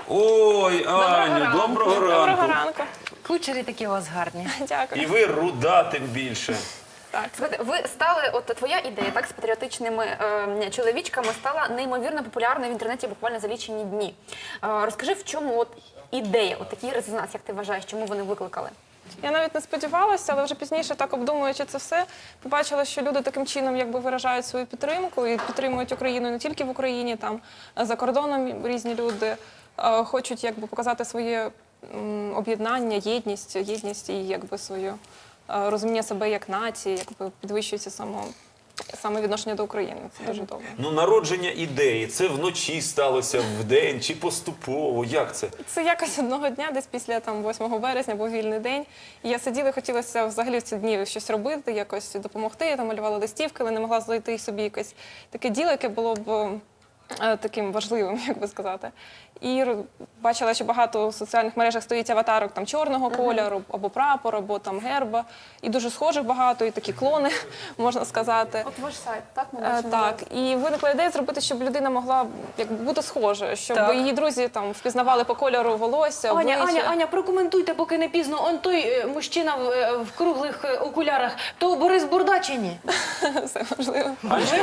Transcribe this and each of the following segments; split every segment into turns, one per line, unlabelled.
Ой, Аню, доброго
Доброго
ранку.
ранку.
Кучері такі у вас гарні.
Дякую.
І ви руда тим більше.
Так.
Слухайте, ви стали, от твоя ідея, так, з патріотичними чоловічками стала неймовірно популярною в інтернеті буквально за лічені дні. Розкажи, в чому от ідея, от такий резонанс, як ти вважаєш, чому вони викликали?
Я навіть не сподівалася, але вже пізніше, так обдумуючи це все, побачила, що люди таким чином якби виражають свою підтримку і підтримують Україну не тільки в Україні, там за кордоном різні люди хочуть якби показати своє об'єднання, єдність і якби своє розуміння себе як нації, якби підвищується саме відношення до України. Це дуже добре.
Ну, народження ідеї, це вночі сталося, вдень чи поступово, як це?
Це якось одного дня, десь після 8 березня, був вільний день. І я сиділа, хотілося взагалі в ці дні щось робити, якось допомогти. Я там малювала листівки, але не могла знайти собі якесь таке діло, яке було б таким важливим, як би сказати. І бачила, що багато в соціальних мережах стоїть аватарок там чорного кольору, або прапор, або там герба. І дуже схожих багато, і такі клони, можна сказати.
От ваш сайт, так?
Так, і виникла ідея зробити, щоб людина могла якби бути схожа, щоб
Так.
її друзі там впізнавали по кольору волосся, обличчя.
Аня, прокоментуйте, поки не пізно. Он той мужчина в круглих окулярах, то Борис Бурда чи ні?
Все можливо.
Анечка,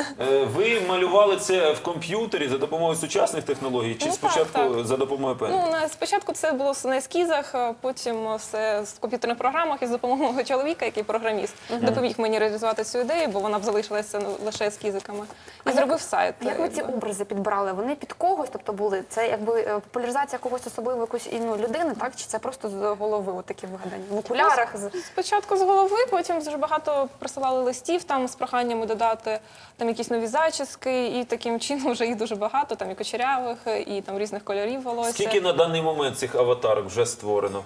ви малювали це в комп'ютері за допомогою сучасних технологій чи
Ну,
спочатку
так.
за допомогою пензля?
Спочатку це було на ескізах, потім все в комп'ютерних програмах і з допомогою мого чоловіка, який програміст, допоміг мені реалізувати цю ідею, бо вона б залишилася лише ескізиками. І зробив сайт.
Як ви ці образи підбирали? Вони під когось, тобто були? Це якби популяризація когось особливо якоїсь людини, так? Чи це просто з голови от такі вигадані? В окулярах?
Спочатку з голови, потім дуже багато присилали листів там з проханнями додати там якісь нові зачіски, і таким чином вже їх дуже багато, там і кучерявих, і там різних кольорів волосся.
Скільки на даний момент цих аватарок вже створено?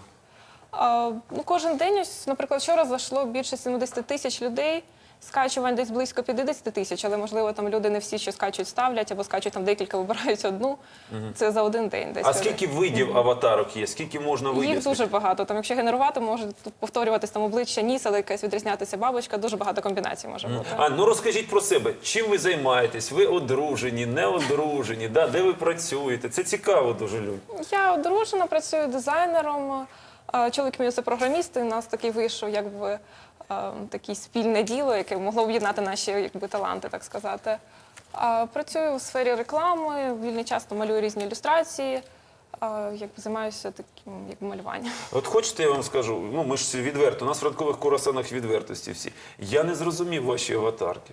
Кожен день, ось, наприклад, вчора зайшло більше 70 тисяч людей, скачувань десь близько 50 тисяч, але, можливо, там люди не всі, що скачують, ставлять, або скачують там декілька, вибирають одну. Це за один день десь.
А скільки видів аватарок є? Скільки можна видів?
Їх дуже багато. Там, якщо генерувати, може повторюватись там обличчя, ніс, але якась відрізнятися бабочка, дуже багато комбінацій може бути.
Ну розкажіть про себе. Чим ви займаєтесь? Ви одружені, не одружені? Да? Де ви працюєте? Це цікаво дуже людям.
Я одружена, працюю дизайнером. Чоловік мій – це програміст, і у нас такий вийшов, якби, таке спільне діло, яке могло об'єднати наші якби, таланти, так сказати. Працюю у сфері реклами, в вільний час малюю різні ілюстрації, якби, займаюся таким якби, малюванням.
От хочете, я вам скажу, ну ми ж відверто, у нас в ранкових курасанах відвертості всі. Я не зрозумів ваші аватарки.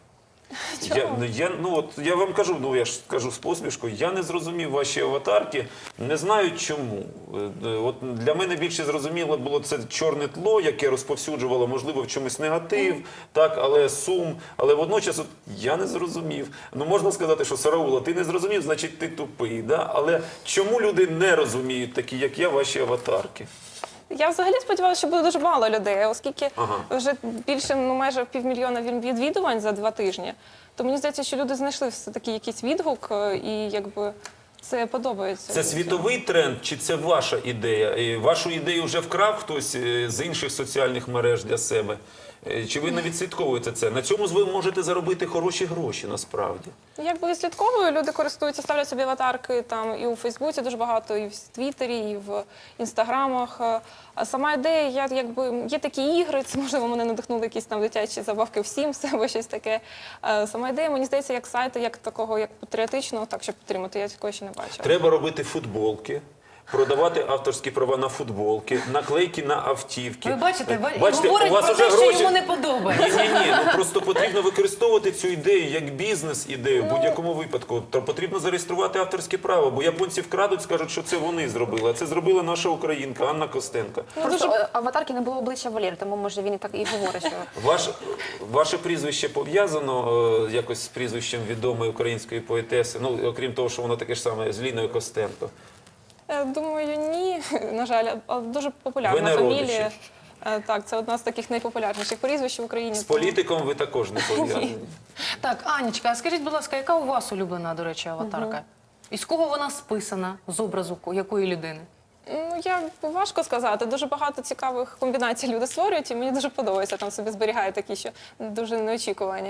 Я вам кажу, я ж кажу з посмішкою, я не зрозумів ваші аватарки, не знаю чому. От для мене більше зрозуміло було це чорне тло, яке розповсюджувало, можливо, в чомусь негатив, так, але сум, але водночас от, я не зрозумів. Ну можна сказати, що Сараула, ти не зрозумів, значить ти тупий, да? Але чому люди не розуміють, такі як я, ваші аватарки?
Я взагалі сподівалася, що буде дуже мало людей, оскільки вже більше майже 500 000 відвідувань за 2 тижні. То мені здається, що люди знайшли все-таки якийсь відгук і якби це подобається.
Це світовий тренд чи це ваша ідея? І вашу ідею вже вкрав хтось з інших соціальних мереж для себе? Чи ви не відслідковуєте це? На цьому ви можете заробити хороші гроші, насправді.
Якби відслідковую, люди користуються, ставлять собі аватарки там і у Фейсбуці дуже багато, і в Твіттері, і в Інстаграмах. А сама ідея, якби, є такі ігри, це, можливо, мене надихнули якісь там дитячі забавки в Sims або щось таке. Сама ідея, мені здається, як сайту, як такого, як патріотичного, так, щоб підтримати, я такого ще не бачила.
Треба робити футболки. Продавати авторські права на футболки, наклейки на автівки.
Ви бачите,
Бачите,
говорить
у вас
про
уже
те, що
гроші.
йому не подобається.
Ні, ну просто потрібно використовувати цю ідею як бізнес-ідею в будь-якому випадку. То потрібно зареєструвати авторське право, бо японці вкрадуть, скажуть, що це вони зробили, а це зробила наша українка Анна Костенко.
Просто аватарки не було обличчя Валєри, тому може він і так і говорить, що...
Ваше прізвище пов'язано якось з прізвищем відомої української поетеси, ну, окрім того, що воно таке ж саме, з Ліною Костенко.
Думаю, ні, на жаль, але дуже популярна
Ви не
фамілія.
родичі?
Так, це одна з таких найпопулярніших прізвищ в Україні.
З політиком ви також не пов'язані.
Так, Анечка, а скажіть, будь ласка, яка у вас улюблена, до речі, аватарка? І з кого вона списана, з образу якої людини?
Важко сказати. Дуже багато цікавих комбінацій люди створюють, і мені дуже подобається. Там собі зберігають такі, що дуже неочікувані.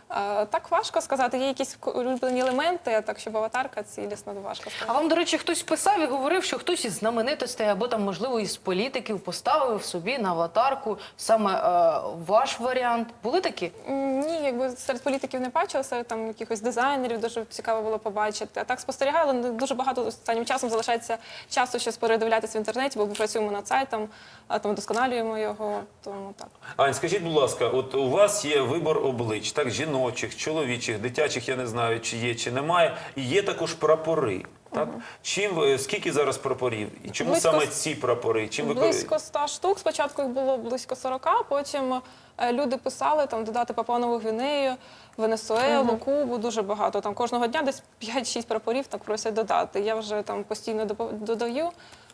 Так важко сказати, є якісь улюблені елементи, а так, щоб аватарка цілісна, то важко сказати.
А вам, до речі, хтось писав і говорив, що хтось із знаменитостей або там, можливо, із політиків поставив собі на аватарку саме ваш варіант. Були такі?
Ні, якби серед політиків не бачила, серед там якихось дизайнерів дуже цікаво було побачити. А так спостерігала, але дуже багато останнім часом залишається часу щось передивлятися в інтернеті, бо ми працюємо над сайтом, там вдосконалюємо його, тому так.
Ань, скажіть, будь ласка, от у вас є вибор облич, так, жіночих, чоловічих, дитячих, я не знаю, чи є, чи немає, і є також прапори. Так? Скільки зараз прапорів? І чому
Близько
саме ці прапори? Чим ви
Близько 100 штук. Спочатку їх було близько 40, потім люди писали там додати Папуа-Нову Гвінею, Венесуелу, Кубу, дуже багато. Там кожного дня десь 5-6 прапорів так просять додати. Я вже там постійно додаю.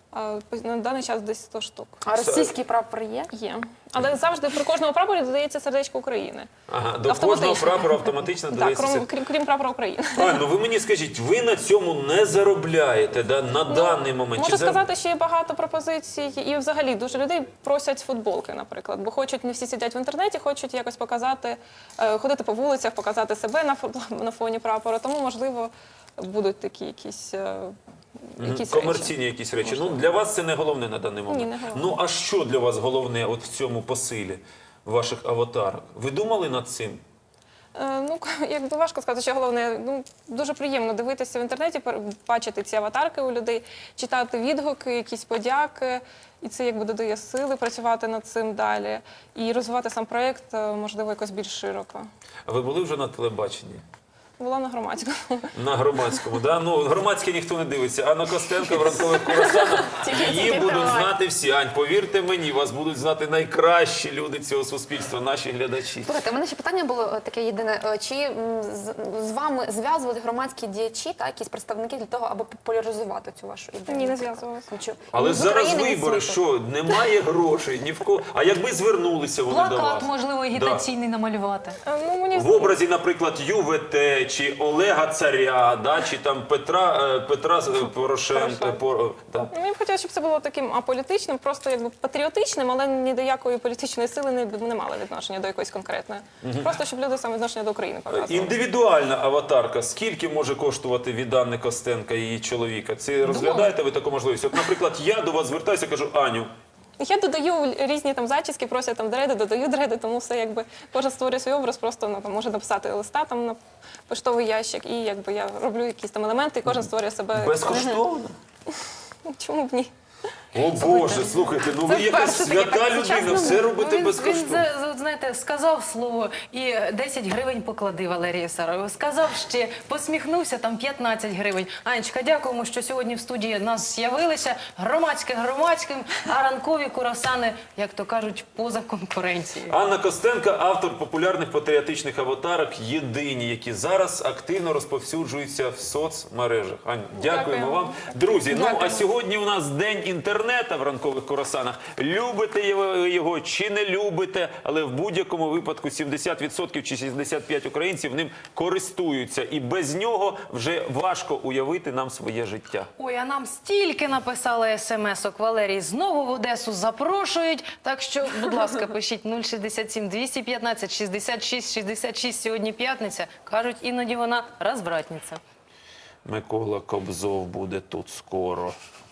На даний час десь 100 штук.
А російський прапор є?
Є. Але завжди при кожному прапорі додається сердечко України.
Ага, до
Автоматично.
кожного прапора автоматично
Так,
додається.
крім прапора України.
Ань, ну ви мені скажіть, ви на цьому не заробляєте, да, на даний момент?
Можу
Чи
сказати, що є багато пропозицій, і взагалі дуже людей просять футболки, наприклад, бо хочуть, не всі сидять в інтернеті, хочуть якось показати, ходити по вулицях, показати себе на фоні прапора, тому, можливо, будуть такі якісь
комерційні якісь речі. Ну, для вас це не головне на даний момент.
Ні, не головне.
Ну, а що для вас головне от в цьому посилі ваших аватарок? Ви думали над цим?
Ну, якби важко сказати, що головне, ну, дуже приємно дивитися в інтернеті, бачити ці аватарки у людей, читати відгуки, якісь подяки, і це якби додає сили працювати над цим далі і розвивати сам проєкт, можливо, якось більш широко.
А ви були вже на телебаченні?
Була на громадському.
На громадському, да? Ну, громадське ніхто не дивиться. Анна Костенко в ранкових курасанах. Її будуть знати всі. Ань, повірте мені, вас будуть знати найкращі люди цього суспільства, наші глядачі.
Слухайте, у мене ще питання було таке єдине. Чи з вами зв'язували громадські діячі, та якісь представники для того, аби популяризувати цю вашу ідею?
Ні, не
наприклад?
зв'язувалася.
Але
З
зараз
України
вибори,
від світу.
що немає грошей, ні в кого. А якби звернулися вони до вас?
Плакат, можливо, агітаційний намалювати.
Ну, мені
В образі, наприклад, ЮВТ, чи Олега Царя, да, чи там Петра Порошенка. Да.
Ну, мені б хотілося, щоб це було таким аполітичним, просто якби патріотичним, але ні до якої політичної сили не мали відношення до якоїсь конкретної. Просто щоб люди саме відношення до України показували.
Індивідуальна аватарка. Скільки може коштувати від Анни Костенка і її чоловіка? Це розглядаєте ви таку можливість? От, наприклад, я до вас звертаюся і кажу, Аню,
Я додаю різні там зачіски, просять там дреди, додаю дреди, тому все якби кожен створює свій образ, просто там, може написати листа там на поштовий ящик, і якби я роблю якісь там елементи, і кожен створює себе.
безкоштовно?
Чому б ні?
О Боже, слухайте, ну ви
Це
якась
вперше таке,
свята
так,
людина,
сучасно.
все робите
Він,
безкоштовно.
знаєте, сказав слово і 10 гривень поклади, Валерія Сарову. Сказав ще, посміхнувся, там 15 гривень. Анечка, дякуємо, що сьогодні в студії нас з'явилися. Громадське громадським, а ранкові курасани, як то кажуть, поза конкуренцією.
Анна Костенко, автор популярних патріотичних аватарок, єдині, які зараз активно розповсюджуються в соцмережах. Ань, дякуємо
Дякуємо.
вам. Друзі, ну а
Дякуємо.
сьогодні у нас день інтернету в ранкових курасанах. Любите його чи не любите, але в будь-якому випадку 70% чи 65% українців ним користуються. І без нього вже важко уявити нам своє життя.
Ой, а нам стільки написали смс-ок, Валерій, знову в Одесу запрошують. Так що, будь ласка, пишіть 067 215 66 66. Сьогодні п'ятниця. Кажуть, іноді вона розвратниця.
Микола Кобзов буде тут скоро.